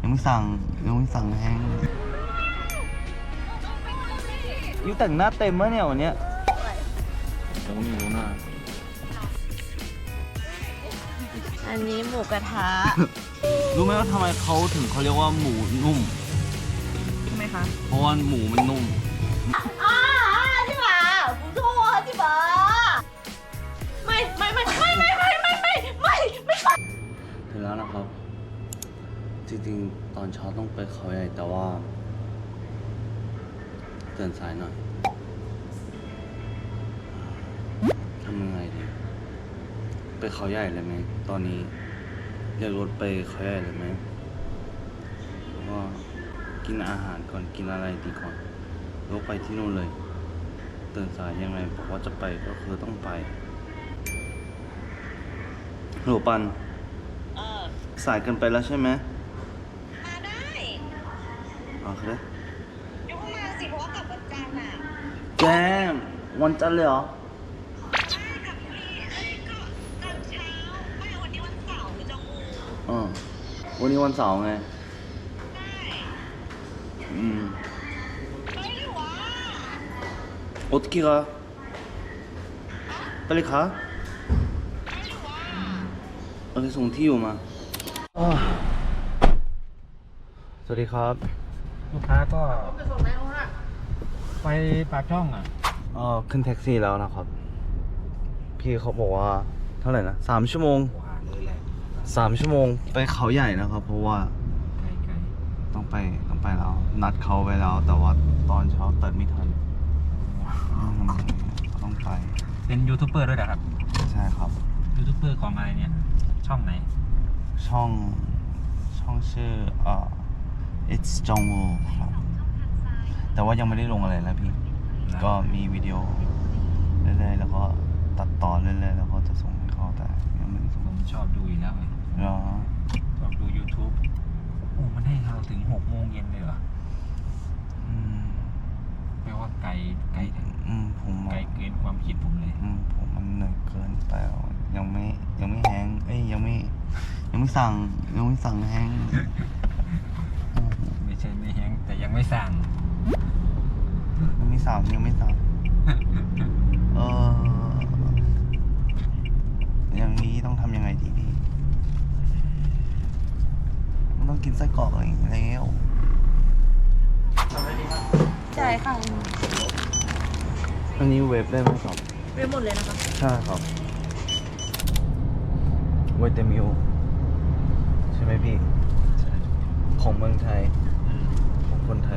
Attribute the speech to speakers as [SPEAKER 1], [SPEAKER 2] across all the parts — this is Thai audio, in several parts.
[SPEAKER 1] ยังไม่สั่งแห้งยูแต่งหน้าเต็มมะเนี่ยวันเนี้ยยังไม่รู้หน้า
[SPEAKER 2] อันนี้หมูกระทะ
[SPEAKER 1] รู้ไหมว่าทำไมเขาถึงเขาเรียกว่าหมูนุ่ม
[SPEAKER 2] ใช่ไหมคะ
[SPEAKER 1] เพราะว่าหมูมันนุ่ม
[SPEAKER 2] ใช่ไหม不错ใช่ไหมไม่
[SPEAKER 1] ถึงแล้วนะครับ จริงๆตอนเช้าต้องไปเขาใหญ่แต่ว่าตื่นสายหน่อยทำยังไงดีไปเขาใหญ่เลยไหมตอนนี้เรียกรถไปเขาใหญ่เลยไหมว่ากินอาหารก่อนกินอะไรดีก่อนแล้วไปที่นู่นเลยตื่นสายยังไงบอกว่าจะไปก็คือต้องไปโหปันสายเกินไปแล้วใช่ไหม
[SPEAKER 2] มาได้
[SPEAKER 1] โอเค
[SPEAKER 2] ยกมาสิเพราะว่ากลับวันจันทร์อ่ะ
[SPEAKER 1] แจมวันจันทร์เลยเหรอ
[SPEAKER 2] กับพี่ก็ตอนเช้าไม่วันนี้วันเสาร์หรือจะงู
[SPEAKER 1] วันนี้วันเสาร์ไง
[SPEAKER 2] ไม่หรือวะ
[SPEAKER 1] 어떻게 가? 빨리 가? 어디ส่งที่อยู่มาสวัสดีครับ
[SPEAKER 3] ลูกค้าก็ไปปากช่องอ่ะ
[SPEAKER 1] ขึ้นแท็กซี่แล้วนะครับ พี่เขาบอกว่าเท่าไหร่นะ3 ชั่วโมง3 ชั่วโมงไปเขาใหญ่นะครับ เพราะว่าต้องไปแล้วนัดเขาไว้แล้วแต่ว่าตอนเช้าตื่นไม่ทันต้องไป
[SPEAKER 3] เป็นยูทูบเบอร์ด้วยนะครับ
[SPEAKER 1] ใช่ครับ
[SPEAKER 3] ยูทูบเบอร์ของอะไรเนี่ยช่องไหน
[SPEAKER 1] ช่องชื่อIt's Jongwoo ครับแต่ว่ายังไม่ได้ลงอะไรนะพี่ก็มีวิดีโอเรื่อยๆแล้วก็ตัดต่อเรื่อยๆแล้วก็จะส่งให้เขาแต่ยังไม่ได้ส่ง
[SPEAKER 3] ผมชอบดูอยู่แล้วไงชอบดู YouTube โอ้มันให้เราถึง6 โมงเย็นเลยเหรอแปลว่าไกล
[SPEAKER 1] ผม
[SPEAKER 3] ไกลเกินความคิดผมเลย
[SPEAKER 1] ผมมันเหนื่อยเกินแต่ยังไม่แห้งยังไม่สั่งแห้ง
[SPEAKER 3] ไม่ใช่ไม่แห้งแต่ยังไม่สั่ง
[SPEAKER 1] ยังไม่สั่งอย่างนี้ต้องทำยังไงดีพี่มันต้องกินไส้กรอกอะไรอย่างเงี้ยแล้ว
[SPEAKER 2] ใช่ค่ะ
[SPEAKER 1] อันนี้เวฟได้ไหมครับ
[SPEAKER 2] เวฟหมดเลยนะคะ
[SPEAKER 1] ใช่ครับเวทมิลใช่ไหมพี่ของเมืองไทยของคนไทย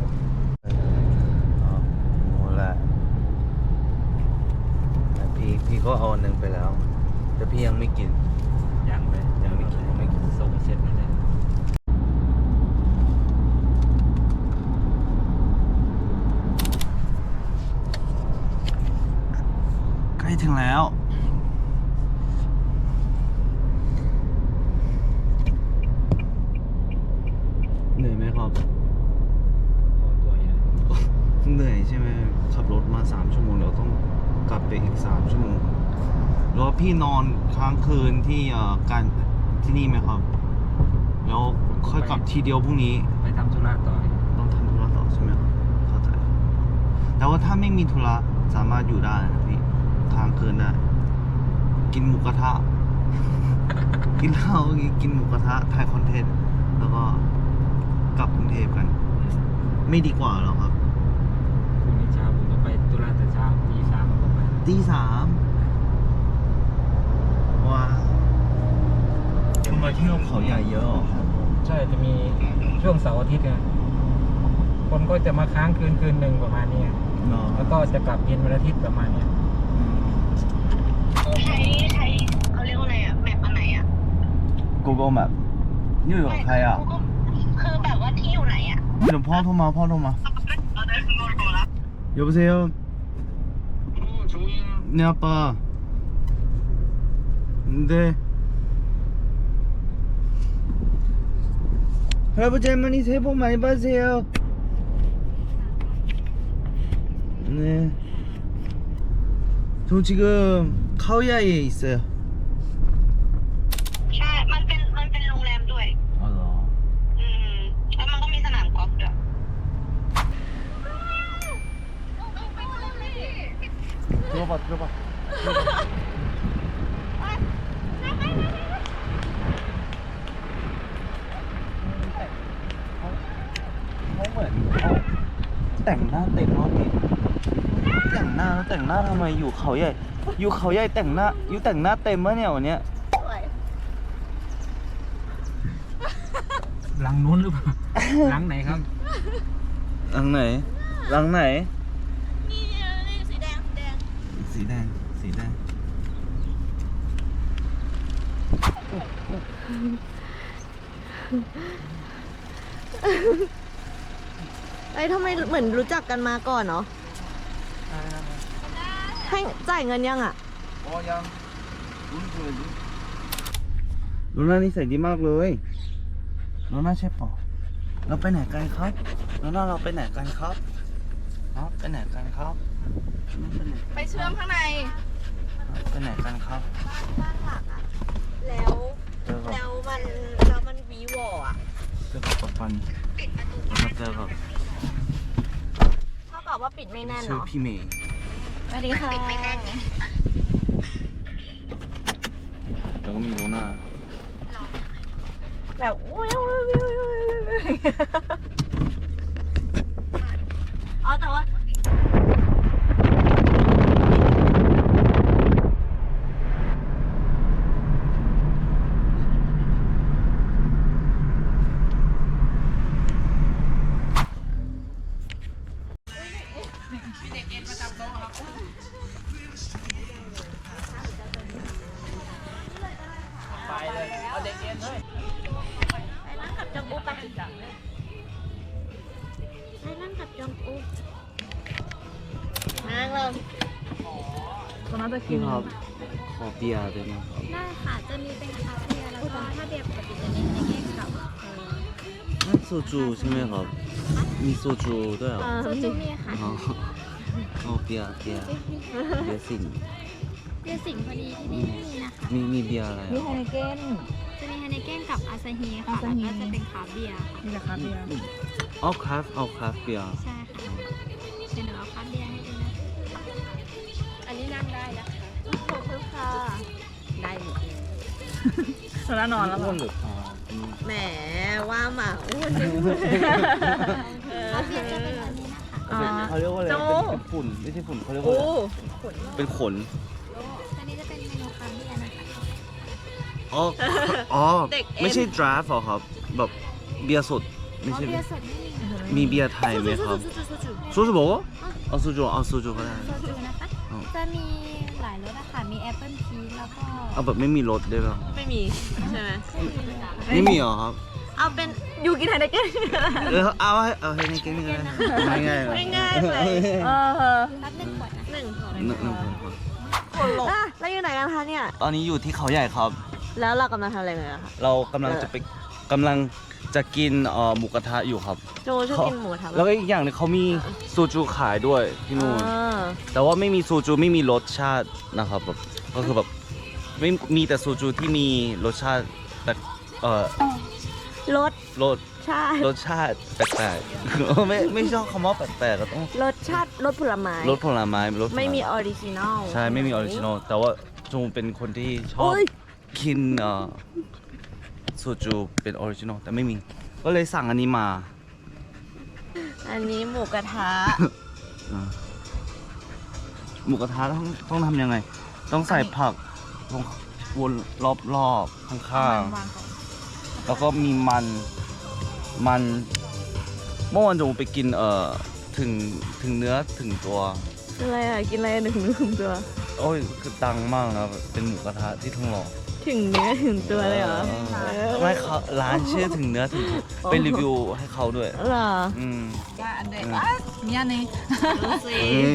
[SPEAKER 1] โอ้แหละพี่ก็เอา1ไปแล้วแต่พี่ยังไม่กิน
[SPEAKER 3] ยังไม่กินส่งเสร็จแล้วเลย
[SPEAKER 1] ใกล้ถึงแล้วเหนื่อยไหมครับเหนื่อยใช่ไหมขับรถมา3 ชั่วโมงเราต้องกลับไปอีก3 ชั่วโมงแล้วพี่นอนค้างคืนที่การที่นี่ไหมครับแล้วค่อยกลับทีเดียวพรุ่งนี้
[SPEAKER 3] ไปทำธุระต่อ
[SPEAKER 1] ต้องทำธุระต่อใช่ไหมครับเข้าใจแต่ว่าถ้าไม่มีธุระสามารถอยู่ได้นะพี่ค้างคืนได้กินหมูกระทะ กินเหล้ากินหมูกระทะถ่ายคอนเทนต์แล้วก็กลับกรุงเทพกันไม่ดีกว่าหรอครับ
[SPEAKER 3] พรุ่งนี้เช้าผมก็ไปธุระแต่เช้าตี 3ผมก็ไป
[SPEAKER 1] ตี 3ว้าคุณมาเที่ยวเขาใหญ่เยอะครับ
[SPEAKER 3] ใช่จะมีช่วงเสาร์อาทิตย์เนี่ยคนก็จะมาค้างคืนหนึ่งประมาณนี้แล้วก็จะกลับเย็นวันอาทิตย์ประมาณนี้
[SPEAKER 2] ใช้เขาเรียกว่าอะไรอ่ะแมปอันไหนอ่ะ
[SPEAKER 1] Google Map นี่อยู่กับใครอ่ะ
[SPEAKER 2] คือแบบว่าที่อยู่ไหนอ่ะ
[SPEAKER 1] เดี๋ยวพ่อโทรมา여보세요 네 아빠 네 할아버지 할머니 새해 복 많이 받으세요 네 저 지금 카오야이에 있어요
[SPEAKER 2] ใช่มันเป็นโรงแรมด้วย
[SPEAKER 1] อ๋อเหรอรู้ป่ะเขาเหมือนเขาแต่งหน้าเต็มรอบนี้แต่งหน้าทำไมอยู่เขาใหญ่แต่งหน้าเต็มมะเนี่ยวันเนี้ย
[SPEAKER 3] หลังนู้นหรือเปล่า หลังไหนครับ
[SPEAKER 1] หลังไหน
[SPEAKER 2] นี่สีแดง
[SPEAKER 1] สีแดง
[SPEAKER 4] ไอ้ทำไมเหมือนรู้จักกันมาก่อนเนาะให้จ่ายเงินยังอ่ะ
[SPEAKER 1] อ๋อยังลูน่านิสัยดีมากเลยลูน่าใช่ปะเราไปไหนกันครับลูน่าเราไปไหนกันครับไปไหนกันครับ
[SPEAKER 4] ไปเชื่อมข้างใน
[SPEAKER 1] ไปไหนกันครับ
[SPEAKER 4] บ้านหลักอ่ะ แล้ว
[SPEAKER 1] เจอกับ
[SPEAKER 4] มันวีวออ่ะ
[SPEAKER 1] ปันมาเจอกับ
[SPEAKER 4] เท่ากับว่าปิดไม่แน่น
[SPEAKER 1] ชื่อ
[SPEAKER 4] เนาะ
[SPEAKER 1] พี่เมย์
[SPEAKER 4] สวัสดีค่ะ
[SPEAKER 1] แล้วก็มีลูน่า
[SPEAKER 4] แบบอ๋อแต่ว่าไปนั่งกับจองอูไปนั่งกับจองอูนั่งลง
[SPEAKER 1] พี่ครับขอเบียร์ได้ไหมครับ
[SPEAKER 5] ได้ค่ะ จะมีเป็นคาเฟ่แล้วก็ถ้าเบียร์ปกติจะมีในแก้กับ
[SPEAKER 1] นั่นโซจูใช่ไหมครับ มีโซจูด้วยเหรอ
[SPEAKER 5] โซจูมีค่ะ
[SPEAKER 1] อ๋อเอาเบียร์สิง
[SPEAKER 5] เบียร์สิงห์พอดีที่นี่ไม่มีนะคะ
[SPEAKER 1] มีเบียร์อะไร
[SPEAKER 4] มี
[SPEAKER 1] อ่ะ
[SPEAKER 4] ไฮเนเก้น
[SPEAKER 5] จะมีไฮเนเก้นกับอาซาฮีค่ะ แล้วก็จะเป็นคราฟต์เบียร์ค่ะ
[SPEAKER 4] มีราคาเบียร์
[SPEAKER 1] เอาคราฟเบียร์
[SPEAKER 5] ใช่ค่ะเดี๋ยวหนูเอาคราฟต์เบียร์ให้ดูนะ
[SPEAKER 4] อันนี้นั่งได้นะคะขอบคุณค่ะ ได้หมดเลยแล้วนอนแล้ว
[SPEAKER 1] อ้วนหรือผอม
[SPEAKER 4] แหมว่าหมาอ้วน
[SPEAKER 5] คราฟต์เบียร์จะเป็นแบบนี้นะคะ
[SPEAKER 1] เขาเรียกว่าอะไร
[SPEAKER 4] โจ้
[SPEAKER 1] เป็นฝุ่นไม่ใช่ฝุ่นเขาเรียกว่า
[SPEAKER 4] โอ้
[SPEAKER 1] อะไรเป็นขน
[SPEAKER 5] อันนี้จะเป็นเมนูคราฟต์เบียร์นะคะ
[SPEAKER 1] อ๋อไม่ใช่ดราฟต์หรอครับ แบบเบียร์สดไม่
[SPEAKER 5] อ๋อ
[SPEAKER 1] ใช่
[SPEAKER 5] เบียร์สดไม่มีค่ะ
[SPEAKER 1] มีเบียร์ไทยไหมครับโซจูบอกว่าเอาโซจูก็ได้
[SPEAKER 5] โซจูนะคะ
[SPEAKER 1] อ๋อ
[SPEAKER 5] จะมีหลายรสอะค่ะ มีแอปเปิลพีชแล้วก็
[SPEAKER 1] เอาแบบไม่มีรสได้ป่ะ
[SPEAKER 4] ไม่มีใช่ไหม
[SPEAKER 1] ไม่มีเหรอครับ
[SPEAKER 4] เอาเป็นยูกินไฮเนเก้น
[SPEAKER 1] เอาให้ในเกมนี้ก็ได้ง่ายๆ
[SPEAKER 4] ง่ายๆเลย
[SPEAKER 5] รับหนึ่งขวดนะ
[SPEAKER 4] หนึ่ง
[SPEAKER 1] หนึ่งคน
[SPEAKER 4] คนหลบแล้วอยู่ไหนกันคะเนี่ย
[SPEAKER 1] ตอนนี้อยู่ที่เขาใหญ่ครับ
[SPEAKER 4] แล้วเรากำลังทำอะไรกันอะคะ
[SPEAKER 1] เรากำลังจะกินหมูกระทะอยู่ครับ
[SPEAKER 4] โจชอบกินหมูทำ
[SPEAKER 1] แล้วก็อีกอย่างหนึงเขามีโซจูขายด้วยที่นู่น
[SPEAKER 4] อ่า
[SPEAKER 1] แต่ว่าไม่มีโซจูไม่มีรสชาตินะครับแบบก็คือแบบไม่มีแต่โซจูที่มีรสชาติแต่
[SPEAKER 4] รส
[SPEAKER 1] รสชาติแปลกๆ ไม่ชอบคำว่าแปลกๆก็ต้อง
[SPEAKER 4] รสชาติรสผลไม้
[SPEAKER 1] รสผลไม้
[SPEAKER 4] ไม่มีออริจินอล
[SPEAKER 1] ใช่ไม่มีออริจินอลแต่ว่าจูเป็นคนที่ชอบ
[SPEAKER 4] โอ้ย
[SPEAKER 1] กินโซจูเป็นออริจินอลแต่ไม่มีก็เลยสั่งอันนี้มา
[SPEAKER 4] อันนี้หมูกระทะ
[SPEAKER 1] หมูกระทะต้องทำยังไง ต้องใส่ผักลงวนรอบๆข้างๆแล้วก็มีมันเมื่อวานจูไปกินถึงเนื้อถึงตัว
[SPEAKER 4] อะไรอ่ะ กินอะไรหนึ่งตัว
[SPEAKER 1] โอ้ยคือดังมากนะเป็นหมูกระทะที่ทองหล่อ
[SPEAKER 4] ถึงเนื้อถึงตัวเลยเหรอ
[SPEAKER 1] ไม่เขาร้านชื่อถึงเนื้อถึงตัวเป็นรีวิวให้เขาด้วย
[SPEAKER 4] เหรอ
[SPEAKER 1] อืม
[SPEAKER 4] ว่าอันเด็กเนี่ยนี่ดูสิ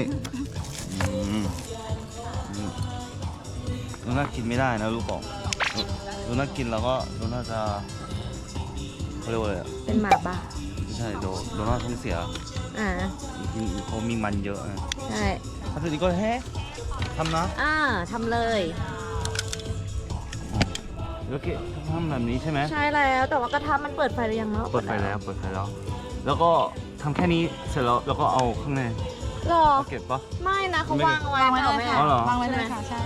[SPEAKER 1] ลูน่ากินไม่ได้นะลูกบอกลูน่ากินแล้วก็ลูน่าจะเขาเรียกว่าอะไรอะ
[SPEAKER 4] เป็นหมาบ้า
[SPEAKER 1] ไม่ใช่เดี๋ยวลูน่าท้องเสีย
[SPEAKER 4] อ่า
[SPEAKER 1] กินเขามีมันเยอะนะ
[SPEAKER 4] ใช่
[SPEAKER 1] ถ้าเป็นนี้ก็เฮ้ทำนะ
[SPEAKER 4] ทำเลย
[SPEAKER 1] แล้วก็ทำแบบนี้ใช่ไหม
[SPEAKER 4] ใช่แล้วแต่ว่ากระทะมันเปิดไฟหรือยังเนาะ
[SPEAKER 1] เปิดไฟแล้วแล้วก็ทำแค่นี้เสร็จแล้วก็เอาข้างใน
[SPEAKER 4] หรอ
[SPEAKER 1] เก็บปะ
[SPEAKER 4] ไม่นะเขาวางเอาไว้
[SPEAKER 5] วางไว้เลยค่ะ
[SPEAKER 1] อ๋อเหรอ
[SPEAKER 5] วางไว้เลยค่ะ ใช่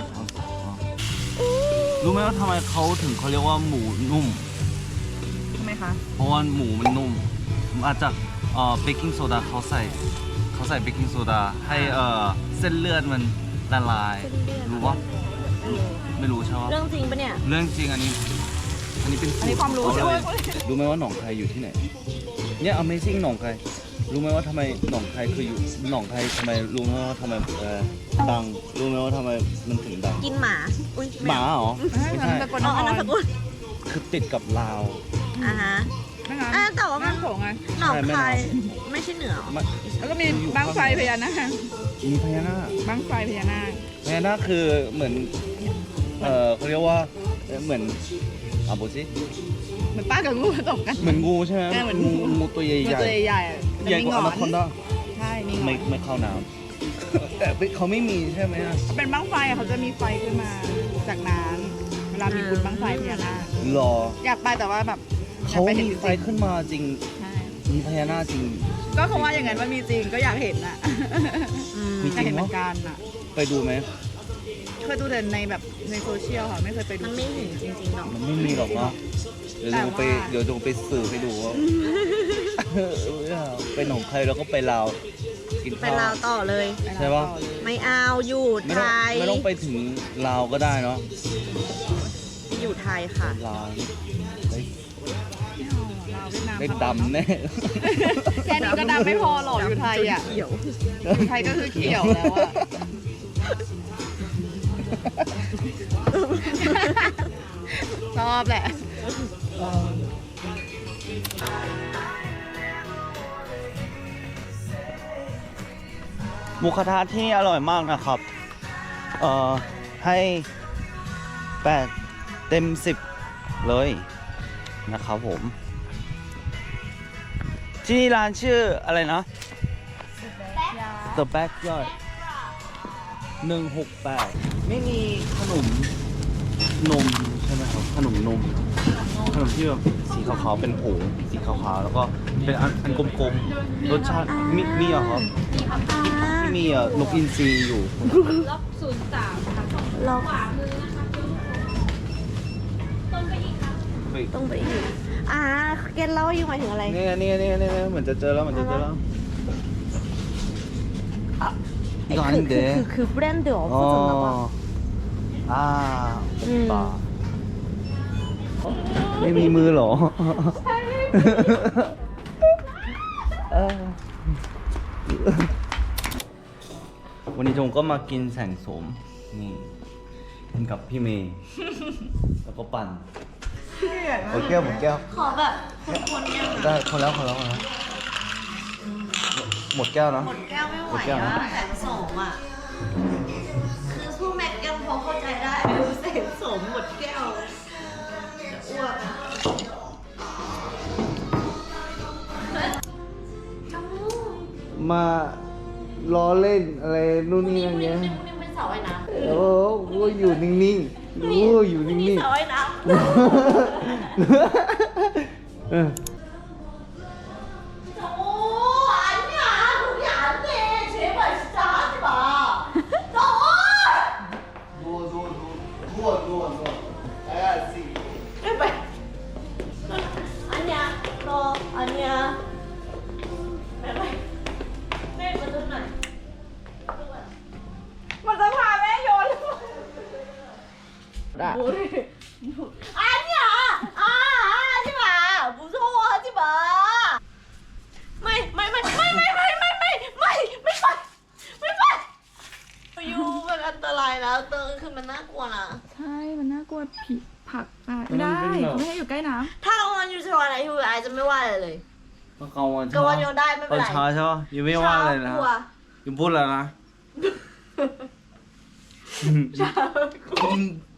[SPEAKER 1] รู้ไหมว่าทำไมเขาถึงเขาเรียกว่าหมูนุ่ม
[SPEAKER 5] ทำไมคะ
[SPEAKER 1] เพราะว่าหมูมันนุ่ม มาจากเบกกิ้งโซดาเขาใส่เบกกิ้งโซดาให้เส้นเลือดมันละลาย รู้ปะไม่รู้ใช่ปะ
[SPEAKER 4] เรื่องจริงปะเนี่ย
[SPEAKER 1] เรื่องจริงอันนี้เป็นสูต
[SPEAKER 5] อันนี้ความรู้
[SPEAKER 1] เข
[SPEAKER 5] ใช่ไหม
[SPEAKER 1] เลยรู้ไหมว่าหนองคายอยู่ที่ไหน เนี่ย Amazing หนองคายรู้ไหมว่าทำไมหนองคายคืออยู่หนองคายทำไมรู้ไหมว่าทำไมดังรู้ไหมว่าทำไมมันถึงดัง
[SPEAKER 4] กินหมา อุ้ย
[SPEAKER 1] หมาเหรอไม่ใช่
[SPEAKER 5] สกลน
[SPEAKER 4] อ๋อ
[SPEAKER 5] ค
[SPEAKER 4] อัน
[SPEAKER 5] ร
[SPEAKER 4] นั้นสกุล
[SPEAKER 1] คือติดกับลาว
[SPEAKER 4] อ่าฮะ
[SPEAKER 5] ไม่งั้น
[SPEAKER 4] แต่ว่ามัน
[SPEAKER 5] น้ำโขงไง
[SPEAKER 4] หนองคายไม่ใช่เหนือหรอ
[SPEAKER 5] แล้วก็มีบั้งไฟพญานาค
[SPEAKER 1] มีพญานาค
[SPEAKER 5] บั้งไฟพญานาค
[SPEAKER 1] พญานาคคือเหมือนเขาเรียกว่าเหมือนโบซิ
[SPEAKER 5] เหมือนป้ากับงูผสมกัน
[SPEAKER 1] เหมือนงูใช่ไหม
[SPEAKER 5] เหมือน
[SPEAKER 1] งูตัวใหญ่
[SPEAKER 5] มัน
[SPEAKER 1] ๆ
[SPEAKER 5] ตัวใหญ่ๆอะแต่
[SPEAKER 1] ใหญ่
[SPEAKER 5] มี
[SPEAKER 1] ก
[SPEAKER 5] หง
[SPEAKER 1] ว่า
[SPEAKER 5] อ
[SPEAKER 1] อน นาคอนดา
[SPEAKER 5] ใช่มีหงอน
[SPEAKER 1] ไม่เข้าน้ำแต่เขาไม่มีใช่ไหมอะ
[SPEAKER 5] เป็นบั้งไฟอะเขาจะมีไฟขึ้นมาจากน้ำเวลามีบุญบั้งไฟพญานาค
[SPEAKER 1] หรอ
[SPEAKER 5] อยากไปแต่ว่าแบบอย
[SPEAKER 1] เขา
[SPEAKER 5] กไปห็น
[SPEAKER 1] มี
[SPEAKER 5] จริงๆ
[SPEAKER 1] ไฟขึ้นมาจริง
[SPEAKER 5] ใช่
[SPEAKER 1] มีพญานาคจริง
[SPEAKER 5] ก็เขาว่าอย่างนั้นว่ามีจริงก็อยากเห็นอะ
[SPEAKER 1] มี
[SPEAKER 5] อ
[SPEAKER 1] จ
[SPEAKER 5] ยาก
[SPEAKER 1] ริ
[SPEAKER 5] เห็
[SPEAKER 1] ง
[SPEAKER 5] นเหมื
[SPEAKER 1] วะ
[SPEAKER 5] อนกันอะ
[SPEAKER 1] ไปดูไหม
[SPEAKER 5] เคยดูแต่ในแบบในโซเชียลค่ะไม่เคยไปดู
[SPEAKER 4] มันไม่เห็นจริงๆหรอก
[SPEAKER 1] มันไม่มีหรอกเนาะเดี๋ยวดูไป
[SPEAKER 5] แต่ว่า
[SPEAKER 1] เดี๋ยวดูไปสื่อให้ดูว่าไปหนองคายแล้วก็ไปลาวกิน
[SPEAKER 4] ไป
[SPEAKER 1] ข้าว
[SPEAKER 4] ลาวต่อเลย
[SPEAKER 1] ใช่ปะ
[SPEAKER 4] ไม่เอาอยู่
[SPEAKER 1] ไม่
[SPEAKER 4] ไท
[SPEAKER 1] ต้อง
[SPEAKER 4] ย
[SPEAKER 1] ไม่ต้องไปถึงลาวก็ได้เนาะ
[SPEAKER 4] อยู่ไทยค่ะ
[SPEAKER 1] ลาวเฮ้ย
[SPEAKER 5] ลาวเวียดนาม
[SPEAKER 1] ได้ดำแน่
[SPEAKER 5] แค่นี้ก็ดำไม่พอหรอกอยู่ไทยอ่ะ
[SPEAKER 4] เขียว
[SPEAKER 5] อยู่ไทยก็คือเขียวแล้วอ่ะ ชอบแหละ
[SPEAKER 1] หมูกระทะที่นี่อร่อยมากนะครับ ให้8 เต็ม 10 เลยนะครับผม ที่นี่ร้านชื่ออะไรนะ The Backyard 168 ไม่มีขนมนมใช่ไหมครับ ขนมนม ขนมที่แบบสีขาวๆ เป็นผงสีขาวๆ แล้วก็เป็นอันกลมๆ รสชาติมีเหรอครับ ที่มีนกอินทรีอยู่
[SPEAKER 4] ล็อก
[SPEAKER 1] ไป
[SPEAKER 4] ต้องไปอีกเกณฑ์เล่าอยู่หมายถึงอะไร
[SPEAKER 1] เนี่ยเหมือนจะเจอแล้วเหมือนจะเจอแล้ว이거
[SPEAKER 4] คือ
[SPEAKER 1] 아닌데
[SPEAKER 4] คือแบรนด์เดียวพูดถึงแล้วป่ะ
[SPEAKER 1] อ่าป่าไม่มีมือเหรอวันนี้จงก็มากินแสงโสมนี่กินกับพี่เมย์แล้วก็ปั่นหมดแก้ว
[SPEAKER 4] ขอแบบคนๆยัง
[SPEAKER 1] ได้คนแล้วหมดแก้วนะ
[SPEAKER 4] หมดแก้วไม่ไหว
[SPEAKER 1] หมดแก้วนะ
[SPEAKER 4] แสนสมอ่ะ คือสู้แม็กยังพอเข้าใจได้ดูแสนสมหมดแก้วจะอ้วกอะ
[SPEAKER 1] มาล้อเล่นอะไรนู่นนี่นั่นเงี้ย
[SPEAKER 4] นี่เป็นเสาไอ้น้ำ
[SPEAKER 1] โอ้โหอยู่นิ่งๆโอ้อยู่นิ่
[SPEAKER 4] นี่
[SPEAKER 1] ง
[SPEAKER 4] เสาไอ้น้
[SPEAKER 1] ๆเออ
[SPEAKER 4] ำโอ้อันเนี้ยทุกอย่างเนี่ยเฉยเหมือนจ้าใช่ปะโอ้ไม่ไปอันเนี้ยรออันเนี้ยไม่ไปแม่มาดูหน่อย
[SPEAKER 5] มันจะพาแม่โยน
[SPEAKER 4] 아니야! 하지 마! 무서워 하지 마! ไม่ไปอยู่มันอันตรายแล้วเติงคือมันน่ากลัวนะ
[SPEAKER 5] ใช่ มันน่ากลัวผีผักได้ไม่ได้เขาไม่ให้อยู่ใกล้น้
[SPEAKER 4] ถ้ากลางวันอยู่ชวันไหนอยู่ไอจะไม่ว่าอะไรเลย
[SPEAKER 1] กลางวัน
[SPEAKER 4] กลางวันโยนได้ไม่เป็นไร
[SPEAKER 1] เช้าใช่ปะยังไม่ว่าเลยนะ
[SPEAKER 4] กลัว
[SPEAKER 1] ยังพูดแล้วนะ
[SPEAKER 4] เช้า